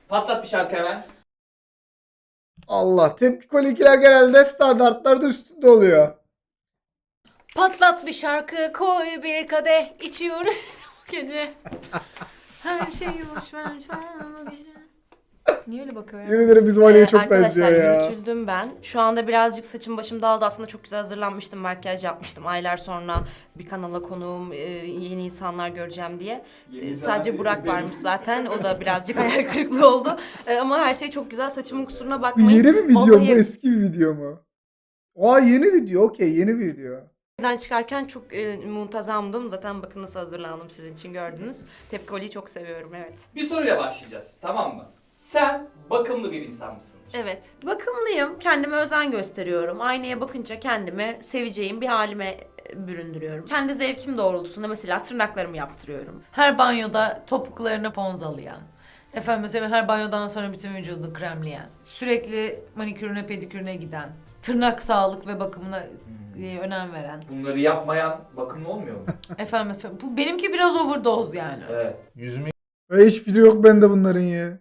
Patlat bir şarkı hemen. Allah, tepkikolikiler genelde standartlarda üstünde oluyor. Patlat bir şarkı, koy bir kadeh, içiyoruz bu gece. Her şey boş ver, bu gece. Niye öyle bakıyor ya? Yemin ederim bizim Ali'ye çok Arkadaşlar benziyor ya. yürütüldüm ben. Şu anda birazcık saçım başım dağıldı. Aslında çok güzel hazırlanmıştım. Makyaj yapmıştım. Aylar sonra bir kanala konuğum, yeni insanlar göreceğim diye. Sadece Burak varmış zaten. O da birazcık hayal kırıklığı oldu. Ama her şey çok güzel. Saçımın kusuruna Bu bakmayın. yeni bir video mu, Vallahi eski bir video mu? Aa, yeni video, okey, yeni video. evden çıkarken çok muntazamdım. Zaten bakın nasıl hazırlandım, sizin için gördünüz. Tepkoli'yi çok seviyorum, evet. Bir soruyla başlayacağız, tamam mı? Sen bakımlı bir insan mısın? Evet. Bakımlıyım. Kendime özen gösteriyorum. Aynaya bakınca kendimi seveceğim bir halime büründürüyorum. Kendi zevkim doğrultusunda mesela tırnaklarımı yaptırıyorum. Her banyoda topuklarını ponzalayan. Efendim söyleyeyim, her banyodan sonra bütün vücudunu kremleyen. Sürekli manikürüne pedikürüne giden. Tırnak sağlık ve bakımına önem veren. Bunları yapmayan bakımlı olmuyor mu? Efendim söyleyeyim, bu benimki biraz overdose yani. Evet. Yüzümü Hiçbiri yok bende bunların ya.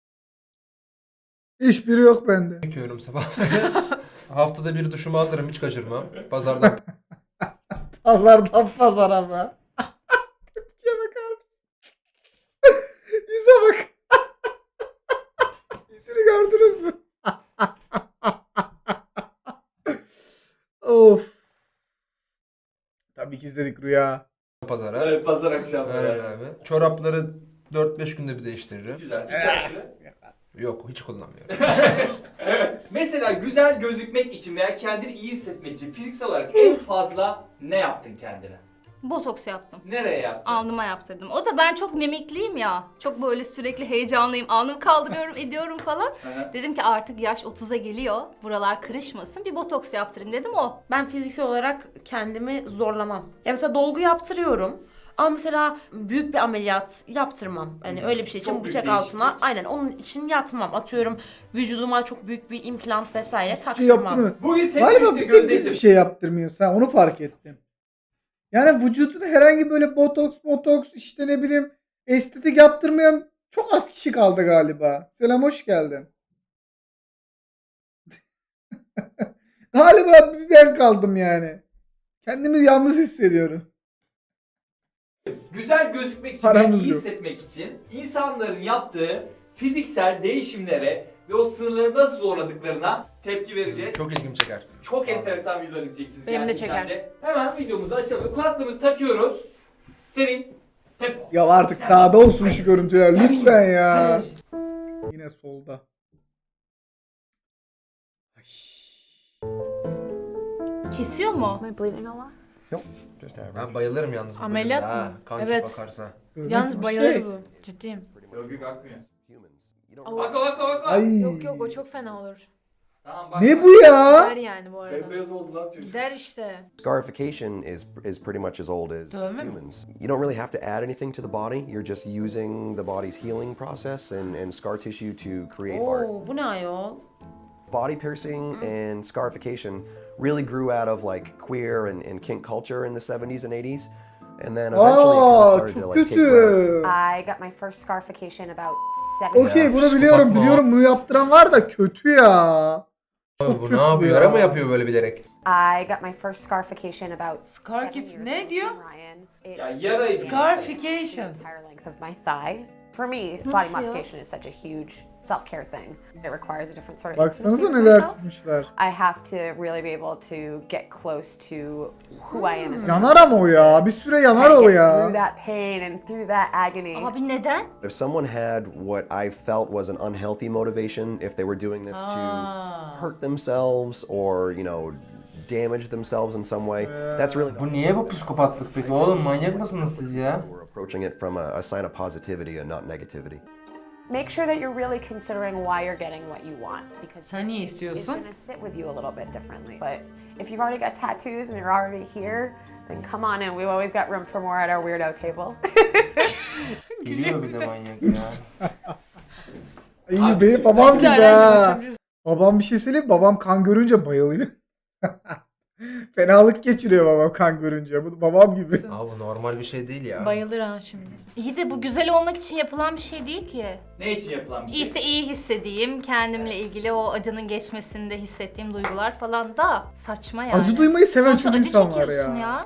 Hiçbiri yok bende. yıkıyorum sabah. Haftada bir duşumu alırım, hiç kaçırmam. Pazardan Pazardan pazara mı? Tepkiye bakar mısın? Yüze bak. Yüzünü gördünüz mü? Of. Tabii ki izledik Rüya. pazara. Evet, pazar akşamları. Evet abi. Çorapları 4-5 günde bir değiştiririm. Güzel. Bir çarşı. Yok, hiç kullanmıyorum. Mesela güzel gözükmek için veya kendini iyi hissetmek için fiziksel olarak en fazla ne yaptın kendine? Botoks yaptım. Nereye yaptın? Alnıma yaptırdım. O da ben çok mimikliyim ya. Çok böyle sürekli heyecanlıyım. Alnımı kaldırıyorum, ediyorum falan. Hı. Dedim ki artık yaş 30'a geliyor. Buralar kırışmasın. Bir botoks yaptırayım dedim o. Ben fiziksel olarak kendimi zorlamam. Ya mesela dolgu yaptırıyorum. Ama mesela büyük bir ameliyat yaptırmam. Yani öyle bir şey için Çok büyük bıçak değişiklik. altına aynen onun için yatmam. Atıyorum vücuduma çok büyük bir implant vesaire Şey taktırmam. yaptırmıyor. Bugün seninle Galiba birlikte bir tek biz Gözdeciğim. bir şey yaptırmıyoruz. Ha, onu fark ettim. Yani vücuduna herhangi böyle botoks işte ne bileyim estetik yaptırmayan çok az kişi kaldı galiba. Selam, hoş geldin. Galiba bir ben kaldım yani. Kendimi yalnız hissediyorum. Güzel gözükmek için Paramız ve iyi yok. hissetmek için insanların yaptığı fiziksel değişimlere ve o sınırları nasıl zorladıklarına tepki vereceğiz. Çok ilgimi çeker. Çok enteresan videolar izleyeceksiniz Benim de gerçekten çeker. de. Hemen videomuzu açalım. Kulaklığımızı takıyoruz. Senin tempo. Ya artık sağda olsun şu görüntüler lütfen ya. Yine solda. Ay. Kesiyor mu? Ben bayılırım yalnız bu Ameliyat bölümde, mı? ha. Kan Evet. çok akarsa. Görmek Yalnız bir bayılır şey. bu. Ciddiyim. Örgü kalkmıyor. Aa, Bak. Ay. Yok yok o çok fena olur. Tamam bak. Ne bu ya? Gider yani bu arada. Bembeyaz oldu lan çocuk. Gider işte. Scarification is pretty much as old as Dövme mi? humans. You don't really have to add anything to the body. You're just using the body's healing process and scar tissue to create art. Oo, bu ne ayol? Body piercing and scarification really grew out of like queer and kink culture in the 70s and 80s. And then eventually it kind of Aa, started to çok like take ground. kötü. I got my first scarification about 7 Okey, bunu psikopat biliyorum mı o? biliyorum, bunu yaptıran var da kötü ya. Abi Çok bu kötü ne yapıyor? ya. Yara mı yapıyor böyle bilerek? I got my first scarification about Scarif- 7 years ne ago diyor? from Ryan. It's Ya yarayı Scarification. the entire length of my thigh. For me, body Nasıl ya? modification is such a huge self-care thing. It requires a different sort of Baksanıza intimacy with neler myself. çizmişler. I have to really be able to get close to who I am as a Yanar ama o ya. Bir süre yanar o Through ya. that pain and through that agony. Abi neden? If someone had what I felt was an unhealthy motivation, if they were doing this to hurt themselves or, you know, damage themselves in some way, that's really Bu niye bu psikopatlık peki? Oğlum manyak mısınız siz ya? we're approaching it from a sign of positivity and not negativity. Make sure that you're really considering why you're getting what you want, because Sen niye it's istiyorsun? going to sit with you a little bit differently. But if you've already got tattoos and you're already here, then come on in. We've always got room for more at our weirdo table. Gülüyor bir de manyak ya. İyi, benim babam gibi Güzel, ha. açabiliriz. Babam bir şey söyleyeyim mi? Babam kan görünce bayılıyor. Fenalık geçiriyor babam kan görünce. Bu babam gibi. Abi bu normal bir şey değil ya. Bayılır ha şimdi. İyi de bu güzel olmak için yapılan bir şey değil ki. Ne için yapılan bir şey? İşte iyi hissedeyim, kendimle ilgili o acının geçmesinde hissettiğim duygular falan da saçma yani. Acı duymayı seven Sonuçta çok acı insan var çekiyorsun ya.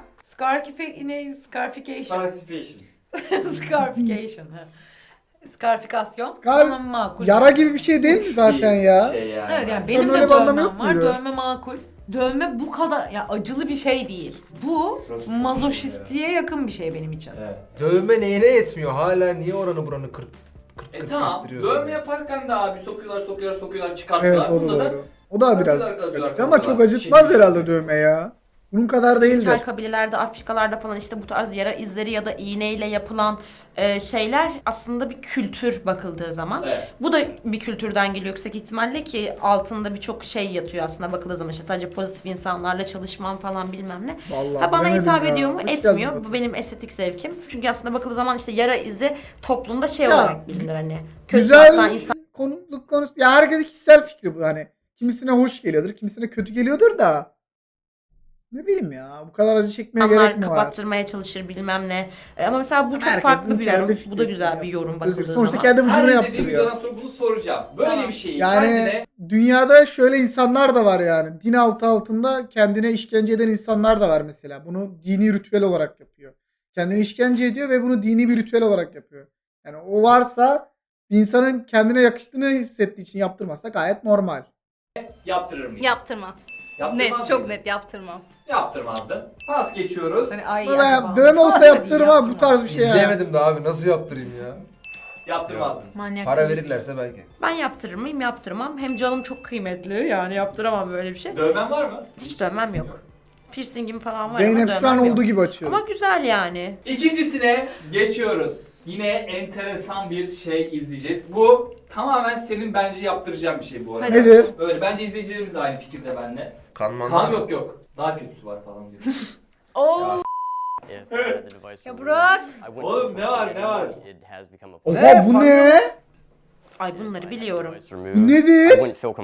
Scarification. Participation. Scarification. ha. Scarifikasyon. Scar- Ama makul. Yara gibi bir şey değil mi Uç zaten bir ya? Şey yani. Evet yani Scar'ın benim öyle de bir anlamı yok dövmem var. muydu? Dövme makul. Dövme bu kadar ya acılı bir şey değil. Bu Şurası çok mazoşistliğe yakın bir şey benim için. Evet. Dövme neyine yetmiyor? Hala niye oranı buranı kırt Tamam. kestiriyorsun? Dövme yaparken de abi sokuyorlar çıkartıyorlar. Evet o da Bunda da doğru. O da biraz kazıyorlar, acıtıyor ama çok acıtmaz Çekiyor. herhalde dövme ya. Bunun kadar değildir. İlkel kabilelerde, Afrikalarda falan işte bu tarz yara izleri ya da iğneyle yapılan şeyler aslında bir kültür bakıldığı zaman. Evet. Bu da bir kültürden geliyor yüksek ihtimalle ki altında birçok şey yatıyor aslında bakıldığı zaman. İşte sadece pozitif insanlarla çalışmam falan bilmem ne. Vallahi Ha bana bilemedim hitap ya. ediyor mu? Hoş Etmiyor. geldin Bu benim estetik zevkim. Çünkü aslında bakıldığı zaman işte yara izi toplumda şey Ya, olarak bilinir hani. Kötü atılan insan. Konuluk konusu. Ya herkesin kişisel fikri bu hani. Kimisine hoş geliyordur, kimisine kötü geliyordur da. Ne bileyim ya. Bu kadar acı çekmeye gerek İnsanlar mi var? kapattırmaya çalışır bilmem ne. Ama mesela bu çok Herkesin farklı bir yorum. kendi Bu da fikri güzel bir yapıyor. yorum Özür bakıldığı dilerim. Sonuçta zaman. kendi Her vücuduna izlediğim yaptırıyor. videodan sonra bunu soracağım. Böyle Tamam. bir şeyi Yani kendine... dünyada şöyle insanlar da var yani. Din altında kendine işkence eden insanlar da var mesela. Bunu dini ritüel olarak yapıyor. Kendini işkence ediyor ve bunu dini bir ritüel olarak yapıyor. Yani o varsa bir insanın kendine yakıştığını hissettiği için yaptırmazsa gayet normal. Yaptırır mıyım? Yaptırma. Yaptırmaz Net, çok mıyım? net yaptırmam. Yaptırmazdım. Pas geçiyoruz. Hani ay Ama acaba. dövme olsa Hadi yaptırırım ama bu yaptırma. tarz bir şey ya. İzleyemedim de abi nasıl yaptırayım ya? Yaptırmazdınız. Manyak. Para verirlerse belki. Ben yaptırır mıyım? Yaptırmam. Hem canım çok kıymetli yani yaptıramam böyle bir şey. Dövmen var mı? Hiç dövmem yok. Piercingim falan var Zeynep ama şu an dövmem olduğu yok. gibi açıyor. Ama güzel yani. İkincisine geçiyoruz. Yine enteresan bir şey izleyeceğiz. Bu tamamen senin bence yaptıracağın bir şey bu arada. Hadi. Nedir? Böyle bence izleyicilerimiz de aynı fikirde benimle. Kanman Kan yok. Daha kötüsü var falan diyor. Oo. Ya Burak. Oğlum ne var? Oha bu ne? Ay bunları biliyorum. Bu nedir?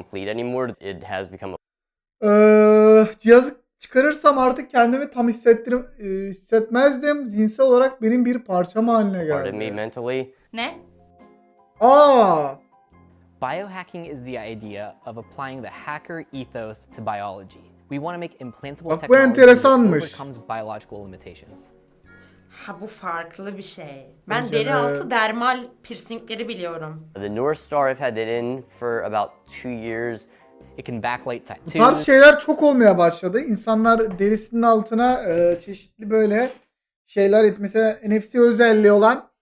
Cihazı çıkarırsam artık kendimi tam hissetmezdim. Zihinsel olarak benim bir parçam haline geldi. Ne? Aa! Biohacking is the idea of applying the hacker ethos to biology. We want to make implantable Bak bu technology that enteresanmış. overcomes biological limitations. Ha bu farklı bir şey. Ben Bence deri de. altı dermal piercingleri biliyorum. The North Star, I've had that in for about 2 years. It can backlight Bu tarz tattoos. şeyler çok olmaya başladı. İnsanlar derisinin altına çeşitli böyle şeyler mesela NFC özelliği olan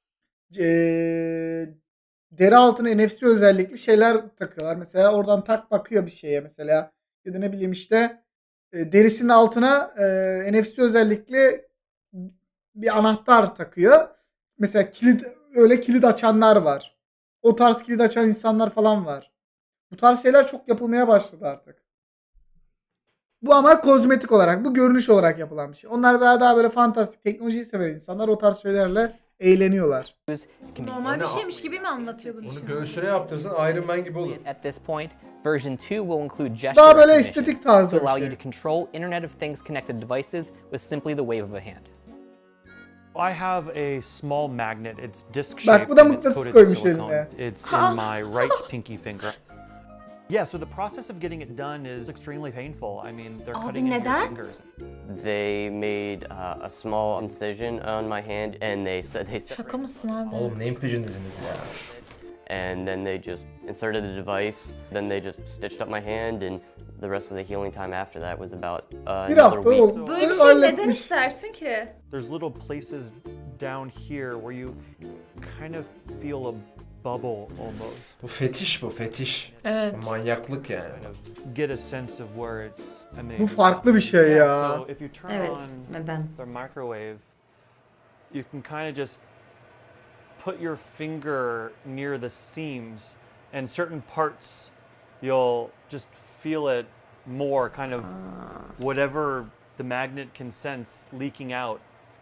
deri altına NFC özellikli şeyler takıyorlar. Mesela oradan tak bakıyor bir şeye mesela. Ya da ne bileyim işte derisinin altına NFC özellikli bir anahtar takıyor. Mesela kilit açanlar var. O tarz kilit açan insanlar falan var. Bu tarz şeyler çok yapılmaya başladı artık. Bu ama kozmetik olarak, bu görünüş olarak yapılan bir şey. Onlar daha böyle fantastik, teknolojiyi seven insanlar o tarz şeylerle eğleniyorlar. It can be Normal bir şeymiş gibi mi anlatıyor bunu? Onu göğsüne yaptırsan Iron Man gibi olur. at this point. Version 2 will include gesture Daha böyle recognition estetik to tarzda bir allow şey. you to control Internet of Things connected devices with simply the wave of a hand. I have a small magnet. It's disc Bak, shaped bu da and it's mıknatıs coated koymuş silicone. eline. It's in my right pinky finger. Yeah, so the process of getting it done is extremely painful. I mean, they're Abi cutting into your neden? fingers. They made a small incision on my hand, and they Şaka mısın abi? Oğlum neyin peşindesiniz ya? and then they just inserted the device. Then they just stitched up my hand, and the rest of the healing time after that was about Bir another hafta week. oldu. Böyle bir şey neden Halletmiş. istersin ki? There's little places down here where you kind of feel a bubble almost. Bu fetiş bu fetiş. Evet. Manyaklık yani. Get a sense of where it's emanating. Bu farklı bir şey Yeah, ya. so if you turn Evet, on neden? the microwave, you can kind of just put your finger near the seams, and certain parts you'll just feel it more, kind of whatever the magnet can sense leaking out.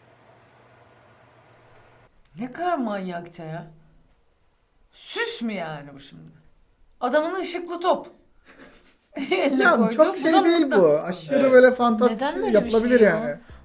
Ne kadar manyakça ya. Süs mü yani bu şimdi? Adamın ışıklı top. Eline Ya koydu. çok Bu şey da değil bu. mıknatıs. Aşırı Evet. böyle fantastik Neden şey böyle bir yapılabilir şey ya? yani.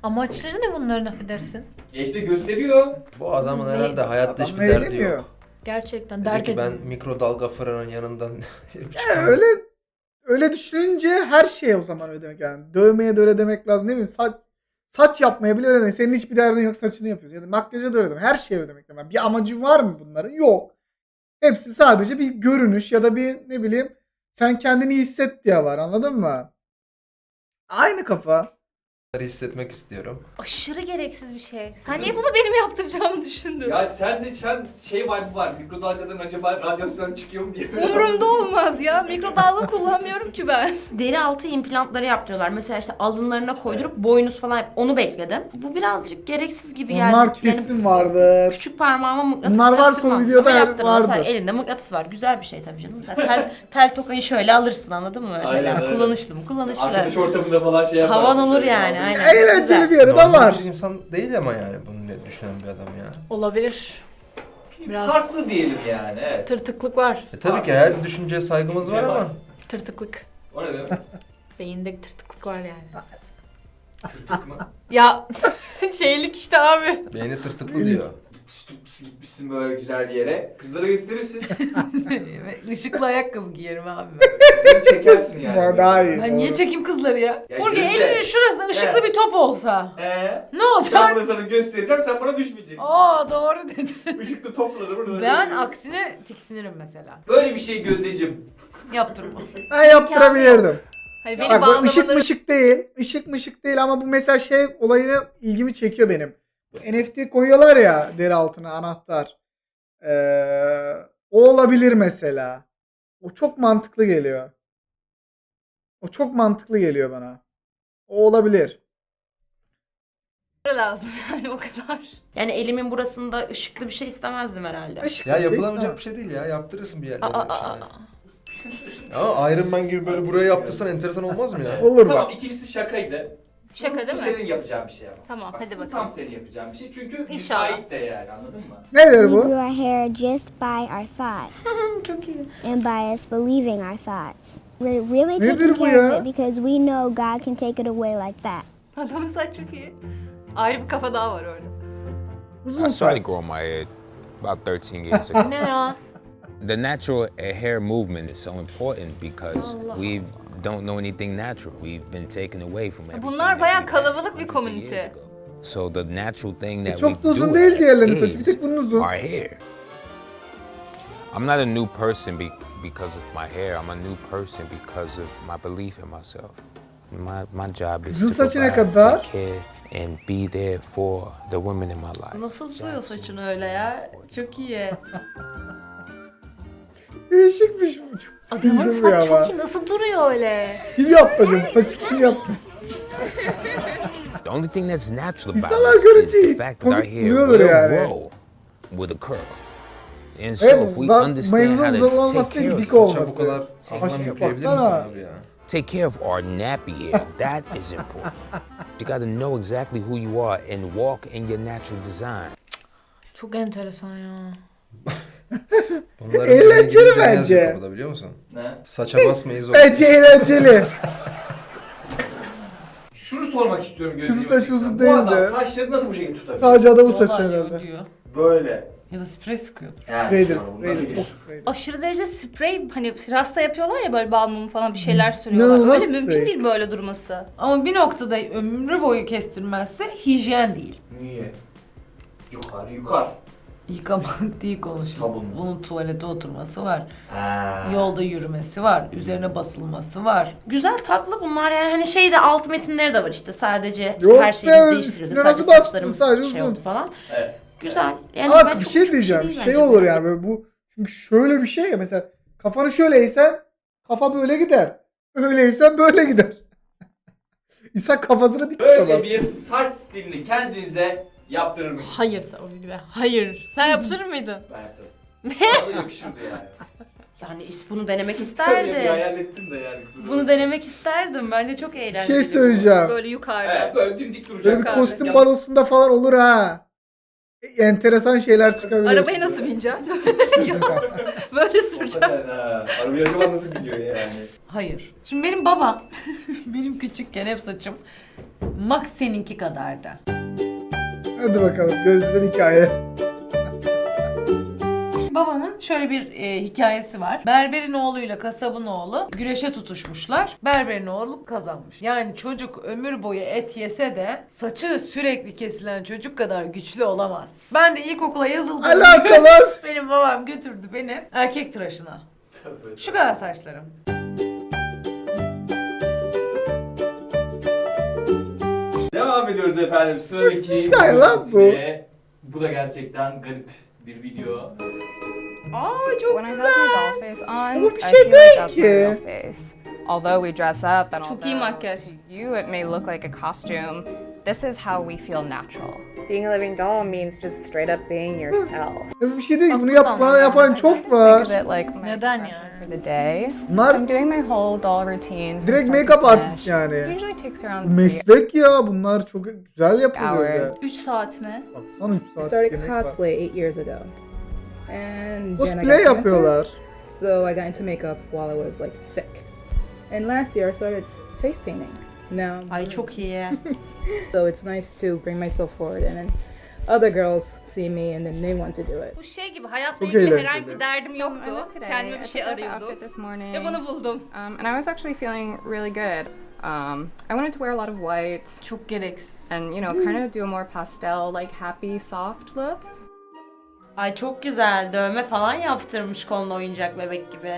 Amaçları ne bunların affedersin? İşte gösteriyor. Bu adamın Ne? herhalde hayatta Adam hiçbir derdi eğleniyor. yok. Gerçekten Dedi dert ki ben edin. mikrodalga fırının yanından Yani öyle düşününce her şeye o zaman öyle demek yani. Dövmeye de öyle demek lazım. Ne bileyim saç yapmaya bile öyle demek. Senin hiçbir derdin yok, saçını yapıyorsun. Ya da makyaja da öyle demek. Her şeye öyle demek. Yani bir amacı var mı bunların? Yok. Hepsi sadece bir görünüş ya da bir ne bileyim sen kendini iyi hisset diye var, anladın mı? Aynı kafa. hissetmek istiyorum. Aşırı gereksiz bir şey. Sen niye bunu benim yaptıracağımı düşündün? Ya sen şey vibe var. Mikrodalgadan acaba radyasyon çıkıyor mu diye. Umurumda olmaz ya. Mikrodalga kullanmıyorum ki ben. Deri altı implantları yaptırıyorlar. Mesela işte alınlarına koydurup boynuz falan onu bekledim. Bu birazcık gereksiz gibi geldi. Onlar kesin vardır. Küçük parmağıma mıknatıs Bunlar varsa taktırmam. o videoda Ama yaptırmam. vardır. Mesela elinde mıknatıs var. Güzel bir şey tabii canım. Mesela tel tokayı şöyle alırsın, anladın mı mesela? Aynen, aynen. Kullanışlı mı? Kullanışlı. Arkadaş ortamında falan şey yaparsın. Havan olur yani. Aynen. Eğlenceli bir yarı da Normal var. bir insan değil ama yani bunu düşünen bir adam ya. Olabilir. Biraz Farklı diyelim yani. Evet. tırtıklık var. Tabii ki her düşünceye saygımız var Ne ama var? Tırtıklık. O ne demek? Beyinde tırtıklık var yani. Tırtık mı? Ya şeylik işte abi. beyni tırtıklı diyor. Gitmişsin böyle güzel bir yere. Kızlara gösterirsin. Işıklı ayakkabı giyerim abi. Kızları çekersin yani. Var daha iyi. Ben niye Doğru. çekeyim kızları ya? Ya Burcu gözle. elinin şurasında ışıklı Evet. bir top olsa. Ne Ne olacak? Ben sana göstereceğim, sen bana düşmeyeceksin. Aa doğru dedin. Işıklı topla da burada. Ben aksine tiksinirim mesela. Böyle bir şey Gözdeciğim. Yaptırma. Ben yaptırabilirdim. Hani beni Bak bu ışık bağlamaları... mışık değil. Işık mışık değil ama bu mesela şey olayını ilgimi çekiyor benim. Bu NFT koyuyorlar ya deri altına anahtar. O olabilir mesela. O çok mantıklı geliyor. O çok mantıklı geliyor bana. O olabilir. lazım yani o kadar. Yani elimin burasında ışıklı bir şey istemezdim herhalde. Işık Ya bir şey yapılamayacak bir istemem. şey değil ya. Yaptırırsın bir yerlere. Ama Iron Man gibi böyle buraya yaptırsan enteresan olmaz mı ya? Olur Tamam, bak. ikincisi şakaydı. Şaka değil Bu mi? senin yapacağın bir şey ama. Tamam, Bak, hadi bu bakalım. tam senin yapacağın bir şey çünkü İnşallah. müsait de yani, anladın mı? Nedir We bu? grew our hair just by our thoughts Çok iyi. and by us believing our thoughts. We're really Nedir taking bu care ya? of it because we know God can take it away like that. Adamın saç çok iyi. Ayrı bir kafa daha var orada. Uzun I started saç. growing my hair about 13 years ago. Ne ya? The natural hair movement is so important because Allah. we don't know anything natural. We've been taken away from everything. Bunlar that bayağı we had kalabalık bir hundreds of komünite. years ago. So the natural thing that Çok we da uzun do değil have diğerlerinin saçı. Bir is tek bunun uzun. our hair. I'm not a new person because of my hair. I'm a new person because of my belief in myself. My job is Kızın to saçı ne provide, kadar? take care, and be there for the women in my life. Nasıl tutuyor saçını öyle ya? Çok iyi. Değişikmiş bu. Çok Adamın güldüm ya saç ama. çok iyi. Nasıl duruyor öyle? Kim yaptı acaba? Saçı kim yaptı? The only thing that's natural about İnsanlar us is görünce the fact that our komik hair buluyordur will yani. grow with a curl. And so Evet, if we zaten understand mevzu how uzun to olması take değil, care of dik Saça olması. bu kadar anlam Aşırı yükleyebilir misin baksana. abi ya? take care of our nappy hair, that is important. You got to know exactly who you are and walk in your natural design. Çok enteresan ya. Bunların Eğlenceli yerine gidince ne bence. yazıyor kapıda biliyor musun? Ne? Saça basmayız o. Bence eğlenceli. Şunu sormak istiyorum Gözdeciğim. Kızın saçı uzun Bu değil adam de. saçları nasıl bu şekilde tutabilir? Sadece adamın saçı Vallahi herhalde. diyor. Böyle. Ya da sprey sıkıyordur. Yani Spreydir, sonra bunlar spreydir. değil. Çok spreydir. Aşırı derece sprey hani rasta yapıyorlar ya böyle bal mumu falan bir şeyler sürüyorlar. İnanılmaz Öyle mümkün sprey. değil böyle durması. Ama bir noktada ömrü boyu kestirmezse hijyen değil. Niye? Yukarı yukarı. Yıkamak değil konuşuyor. Sabunlu. Bunun tuvalete oturması var. Ha. Yolda yürümesi var. Üzerine basılması var. Güzel tatlı bunlar yani hani şeyde alt metinleri de var işte sadece işte Yok her şeyimiz be, değiştirildi. üstüne Sadece nasıl bastın? saçlarımız Sadece şey uzun. oldu falan. Evet. Güzel. Yani Ama ben bir çok- şey çok diyeceğim. değil Şey bence olur bu. yani böyle bu. Çünkü şöyle bir şey ya mesela kafanı şöyle eğsen kafa böyle gider. Öyle eğsen böyle gider. İnsan kafasını dik Böyle tutamaz. bir saç stilini kendinize yaptırır mısınız? Hayır tabii ki de. Hayır. Sen yaptırır mıydın? Ben yaptım. Vallahi yakışırdı yani. Yani bunu denemek Tabii bir isterdim. hayal ettim de yani kızım. Bunu denemek isterdim. Bence çok Bir eğlenceli. şey söyleyeceğim. Böyle yukarıda. Evet, böyle dimdik duracak. Böyle bir abi. kostüm balosunda falan olur ha. Enteresan şeyler çıkabilir. Arabaya nasıl bineceksin? Böyle süreceğim. Hakikaten ha. Arabaya acaba nasıl biniyor yani? Hayır. Şimdi benim babam benim küçükken hep saçım Max seninki kadardı. Hadi bakalım gözler hikaye. Babamın şöyle bir hikayesi var. Berberin oğluyla kasabın oğlu güreşe tutuşmuşlar. Berberin oğlu kazanmış. Yani çocuk ömür boyu et yese de saçı sürekli kesilen çocuk kadar güçlü olamaz. Ben de ilkokula yazıldım. Alakalı. Benim babam götürdü beni erkek tıraşına. Şu kadar saçlarım. Devam ediyoruz efendim. Sıradaki hikaye lan bu? ve bu da gerçekten garip bir video. Aa çok When I have my doll face on, Bu bir I şey feel like değil that's my ki. real face. Although we dress up and Çok iyi although makyaj. to you it may look like a costume, this is how we feel natural. Being a living doll means just straight up being yourself. Ya bir şey değil. Bunu buradan yapan çok Think var. of it like my Neden expression yani? for the day. Bunlar I'm doing my whole doll routine. from direkt start to make-up finish. artist yani. It usually takes around 3 Meslek ya. Bunlar çok güzel yapılıyor ya. hours. 3 saat mi? Baksana 3 I saat started yemek var. cosplay 8 years ago. And then I Cosplay got cancer, yapıyorlar. so I got into makeup while I was like sick. And last year I started face painting. Now, Ay çok iyi. so it's nice to bring myself forward, and then other girls see me and then they want to do it. Bu şey gibi hayatla Çok ilgili eğlenceli. herhangi bir derdim So I yoktu. looked today, Kendime bir I şey picked out the arıyordum. outfit this morning. Ve bunu buldum. And I was actually feeling really good. I wanted to wear a lot of white Çok gereksiz. and kind of do a more pastel, like happy, soft look. Ay çok güzel. Dövme falan yaptırmış koluna oyuncak bebek gibi.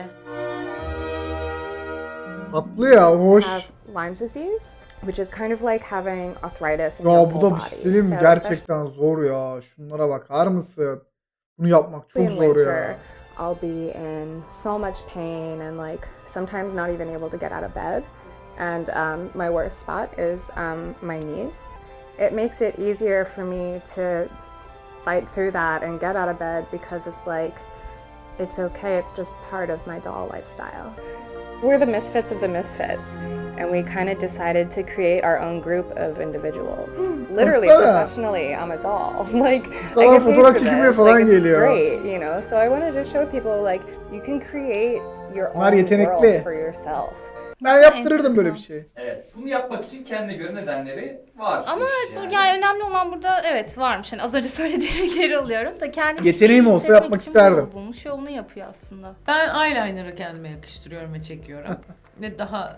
Tatlı ya. Hoş. Have Lyme disease, which is kind of like having arthritis in Ya your bu whole da bir body. şey söyleyeyim mi? So Gerçekten zor ya. Şunlara bakar mısın? Bunu yapmak çok especially in zor winter, ya. I'll be in so much pain and like sometimes not even able to get out of bed. And my worst spot is my knees. It makes it easier for me to fight through that and get out of bed because it's like, it's okay, it's just part of my doll lifestyle. We're the misfits of the misfits, and we kind of decided to create our own group of individuals. Literally, Baksana. professionally, I'm a doll. Like, Sana I get paid fotoğraf for çekilmeye this. falan Like, it's geliyor. great, So I wanted to show people like you can create your Bunlar own yetenekli. world for yourself. Ben yaptırırdım böyle bir şey. Evet. Bunu yapmak için kendine göre nedenleri var. Ama yani. yani önemli olan burada evet varmış. Yani az önce söylediğimi geri alıyorum da kendim Yeteneğim olsa yapmak isterdim. bulmuş ve onu yapıyor aslında. Ben eyeliner'ı kendime yakıştırıyorum ve çekiyorum. Ve daha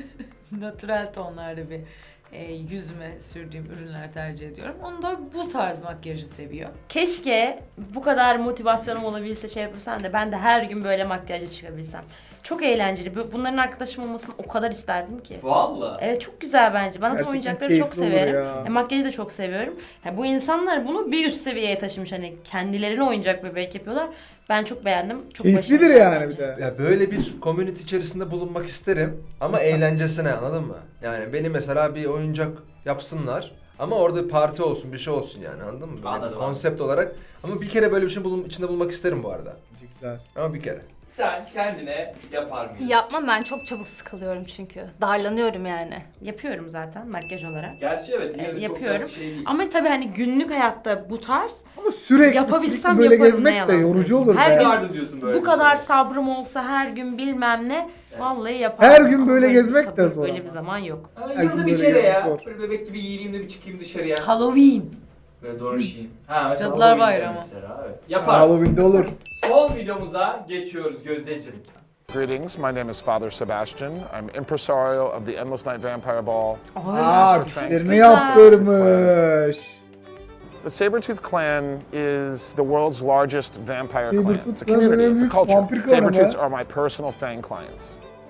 natürel tonlarda bir yüzüme sürdüğüm ürünler tercih ediyorum. Onu da bu tarz makyajı seviyor. Keşke bu kadar motivasyonum olabilse şey yapabilsem de ben de her gün böyle makyajla çıkabilsem. Çok eğlenceli. Bunların arkadaşım olmasını o kadar isterdim ki. Valla. Evet çok güzel bence. Ben zaten Gerçekten oyuncakları çok keyifli olur severim. ya. Makyajı da çok seviyorum. Bu insanlar bunu bir üst seviyeye taşımış. Hani kendilerine oyuncak bebek yapıyorlar. Ben çok beğendim. Çok Keyiflidir başarılı yani bence. bir de. Ya böyle bir community içerisinde bulunmak isterim ama eğlencesine, anladın mı? Yani beni mesela bir oyuncak yapsınlar ama orada bir parti olsun, bir şey olsun yani, anladın mı? Böyle Anladım, bir konsept olarak. Ama bir kere böyle bir şey içinde bulunmak isterim bu arada. Güzel. Ama bir kere. Sen kendine yapar mıydın? Yapmam, ben çok çabuk sıkılıyorum çünkü. Darlanıyorum yani. Yapıyorum zaten makyaj olarak. Gerçi evet. yine de çok Yapıyorum. da şey değil. Ama tabii hani günlük hayatta bu tarz Ama sürekli yapabilsem böyle yaparım, ne gezmek de yalan yorucu söyleyeyim. olur Her be. gün Vardı diyorsun böyle bu bir kadar şey. sabrım olsa her gün bilmem ne vallahi yaparım. Her gün Ama böyle bir gezmek de sabır, zor Böyle ama. bir zaman yok. Ama Her yılda gün bir böyle kere yemek ya. zor. Böyle bebek gibi giyineyim de bir çıkayım dışarıya. Halloween. Böyle dolaşayım. Ha mesela Cadılar Halloween'de Bayramı. Mesela, evet. Yaparsın. Halloween'de olur. Son videomuza geçiyoruz Gözdeciğim. Greetings, my name is Father Sebastian. I'm impresario of the Endless Night Vampire Ball. Aa, dişlerini yaptırmış. The Sabretooth clan is the world's largest vampire clan. Sabretooth It's a clan'ın community, en it's a büyük culture. vampir klanı Sabretooths be. are my personal fang clients.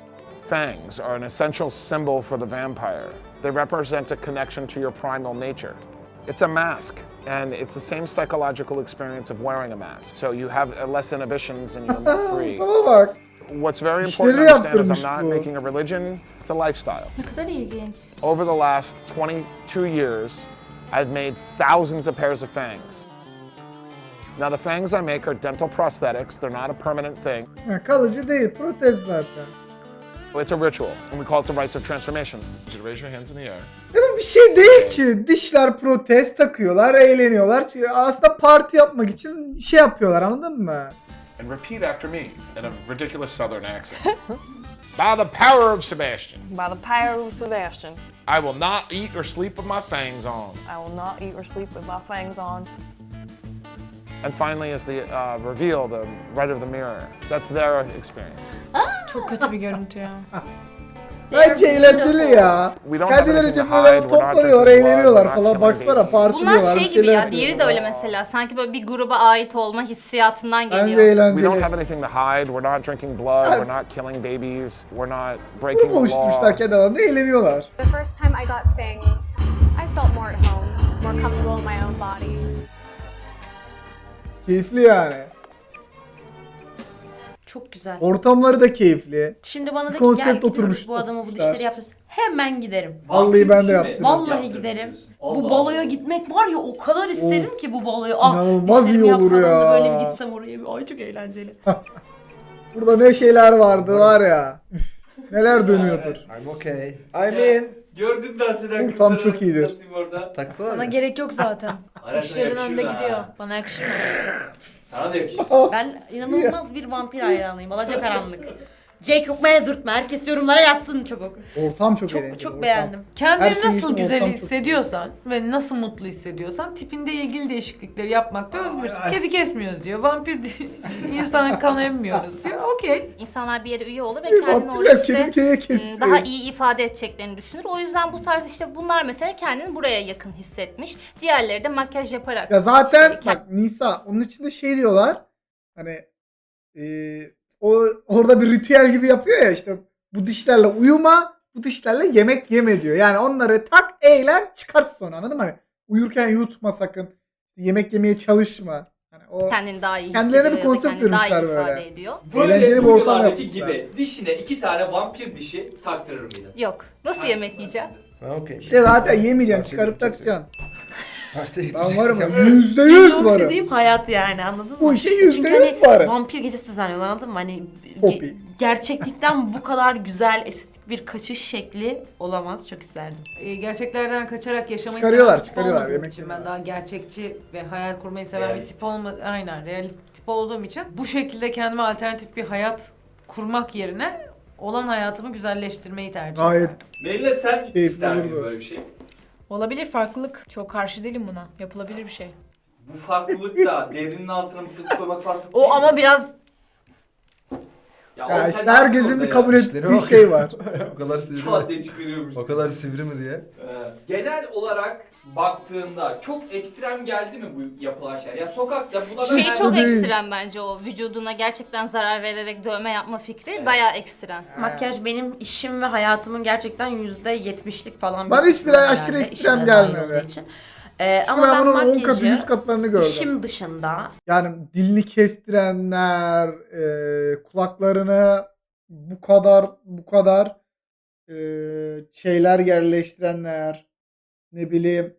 Fangs are an essential symbol for the vampire. They represent a connection to your primal nature. It's a mask, and it's the same psychological experience of wearing a mask. So you have less inhibitions and you're more free. Bana bak. What's very Dişleri important to understand is yaptırmış I'm not bu. making a religion, it's a lifestyle. Ne kadar ilginç. Over the last 22 years, I've made thousands of pairs of fangs. Now the fangs I make are dental prosthetics, they're not a permanent thing. Ha, kalıcı değil, protez zaten. It's a ritual, and we call it the rites of transformation. You raise your hands in the air. Ya bu bir şey değil ki. Dişler protez takıyorlar, eğleniyorlar. Aslında parti yapmak için şey yapıyorlar, anladın mı? And repeat after me in a ridiculous southern accent. By the power of Sebastian. By the power of Sebastian. I will not eat or sleep with my fangs on. I will not eat or sleep with my fangs on. And finally is the reveal, the right of the mirror. That's their experience. Çok kötü bir görüntü ya. Bence eğlenceli ya. We don't have Kendilerince anything to böyle hide, we're not toplanıyorlar, drinking blood, eğleniyorlar we're not falan. killing Baksana babies. partiliyorlar. Bunlar bir şey gibi şeyler ya, yapıyorlar. diğeri de öyle mesela. Sanki böyle bir gruba ait olma hissiyatından Bence geliyor. We eğlenceli. don't have anything to hide. We're not drinking blood. We're not killing babies. We're not breaking Grup the oluşturmuşlar law. kendi aralarında, eğleniyorlar. The first time I got fangs, I felt more at home, more comfortable in my own body. Keyifli yani. Çok güzel. Ortamları da keyifli. Şimdi bana Bir da ki gel konsept gidiyoruz oturmuş. bu adamı bu oturmuşlar. dişleri yaptırız. Hemen giderim. Vallahi ben de yaptım. Vallahi giderim. Bu baloya gitmek var ya, o kadar isterim ki bu baloya. Ah, İnanılmaz dişlerimi iyi olur yapsam da ya. böyle bir gitsem oraya. Ay çok eğlenceli. Burada ne şeyler vardı var ya. Üf, neler dönüyordur. I'm okay. I'm in. Gördün mü Arsenen Ortam kızları çok nasıl iyidir. satayım orada? Taksana. Sana gerek yok zaten. Arasına İşlerin yakışır önde ha. gidiyor. Bana yakışır mı? Sana da yakışır. Ben inanılmaz bir vampir hayranıyım. Alacakaranlık. Jacob Meldurtma. Herkes yorumlara yazsın çabuk. Ortam çok eğlenceli. Çok ortam. beğendim. Kendini Her şey nasıl için güzel ortam çok hissediyorsan ve nasıl mutlu hissediyorsan tipinde ilgili değişiklikleri yapmakta özgürsün. Kedi kesmiyoruz diyor, vampir insan kan emmiyoruz diyor. Okey. İnsanlar bir yere üye olur ve kendini orada Vampirler kedi işte kediye kessin. daha iyi ifade edeceklerini düşünür. O yüzden bu tarz işte bunlar mesela kendini buraya yakın hissetmiş. Diğerleri de makyaj yaparak. Ya zaten işte bak Nisa onun içinde şey diyorlar. Hani o orada bir ritüel gibi yapıyor ya, işte bu dişlerle uyuma, bu dişlerle yemek yeme diyor. Yani onları tak, eğlen, çıkar sonra, anladın mı? Hani uyurken yutma sakın. Yemek yemeye çalışma. Hani o kendini daha iyi kendilerine hissediyor bir ya da konsept kendini daha iyi vermişler ifade böyle. ediyor. Böyle Eğlenceli bir ortam videolardaki yapmışlar. gibi dişine 2 tane vampir dişi taktırır mıydın? Yok. Nasıl yemek yiyeceğim? Okay. İşte zaten yemeyeceksin, çıkarıp takacaksın. Partiye Ben varım ya, gideceksin. %100 Benim varım. istediğim hayat yani, anladın mı? Bu işe Çünkü %100 hani varım. vampir gecesi düzenliyorlar, anladın mı? Hani Poppy. gerçeklikten bu kadar güzel, estetik bir kaçış şekli olamaz. Çok isterdim. Gerçeklerden kaçarak yaşamayı Çıkarıyorlar, seven bir tip çıkarıyorlar, olmadığım yemek için yiyorlar. ben daha gerçekçi ve hayal kurmayı seven bir Realist. tip aynen realist tip olduğum için bu şekilde kendime alternatif bir hayat kurmak yerine olan hayatımı güzelleştirmeyi tercih ediyorum. Gayet Melina sen Keyifli ister miydin olurdu. böyle bir şey? Olabilir, farklılık. Çok karşı değilim buna. Yapılabilir bir şey. Bu farklılık da devrinin altına mıknatıs koymak farklı değil O ama mi? biraz Ya, ya o işte sen ne yapıyorsun herkesin orada bir ya? kabul İşleri ettiği bak. şey var. O kadar sivri Çat mi? diye çıkarıyormuş. O kadar sivri mi diye. Genel olarak baktığında çok ekstrem geldi mi bu yapılan şeyler? Ya sokakta buna Şey ben çok değil. ekstrem bence, o vücuduna gerçekten zarar vererek dövme yapma fikri bayağı ekstrem. Makyaj benim işim ve hayatımın gerçekten %70'lik falan bir Bana hiçbir kısmı aşırı herhalde, ekstrem işime dahil gelmedi. olduğu için. Çünkü Ama ben ben bunun 10 katı, makyajı 100 katlarını gördüm. işim dışında Yani dilini kestirenler, kulaklarını bu kadar şeyler yerleştirenler, ne bileyim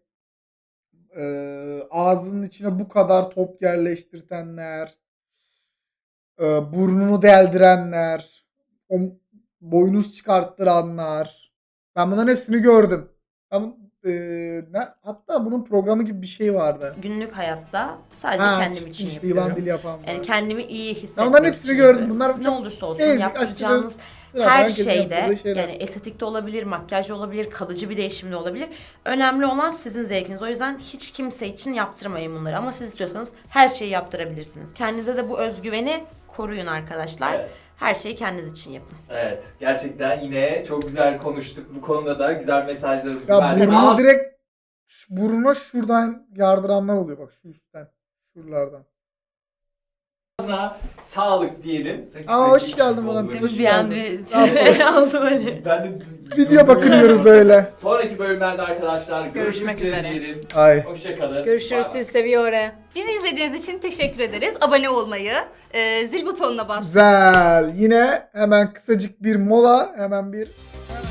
ağzının içine bu kadar top yerleştirtenler, burnunu deldirenler, boynuz çıkarttıranlar. Ben bunların hepsini gördüm. Hatta bunun programı gibi bir şey vardı. günlük hayatta sadece Ha, kendim için işte yapıyorum. yılan dili yapan var. Yani kendimi iyi hissetmek Ben onların hepsini için gördüm. yapıyorum. Bunlar ne çok olursa olsun basic, yapacağınız aşırı sıradan her herkesin şeyde, yaptığı şeyler. yani estetikte olabilir, makyajda olabilir, kalıcı bir değişimde olabilir. Önemli olan sizin zevkiniz. O yüzden hiç kimse için yaptırmayın bunları. Ama siz istiyorsanız her şeyi yaptırabilirsiniz. Kendinize de bu özgüveni koruyun arkadaşlar. Evet. Her şeyi kendiniz için yapın. Evet, gerçekten yine çok güzel konuştuk. Bu konuda da güzel mesajlarımızı Ya verdik. burnunu direkt burnuna şuradan yardıranlar oluyor, bak şu üstten. Şuralardan. Ağzına sağlık diyelim. Aa, hoş geldin bana. Olur. Hoş Bir an geldin. bir aldım hani. Ben de Video bakıyoruz öyle. Sonraki bölümlerde arkadaşlar Görüşmek üzere. diyelim. Ay. Hoşçakalın. görüşürüz, Bay bay. sizi seviyorum. Bizi izlediğiniz için teşekkür ederiz. Abone olmayı, zil butonuna basmayı. Güzel. Yine hemen kısacık bir mola. Hemen bir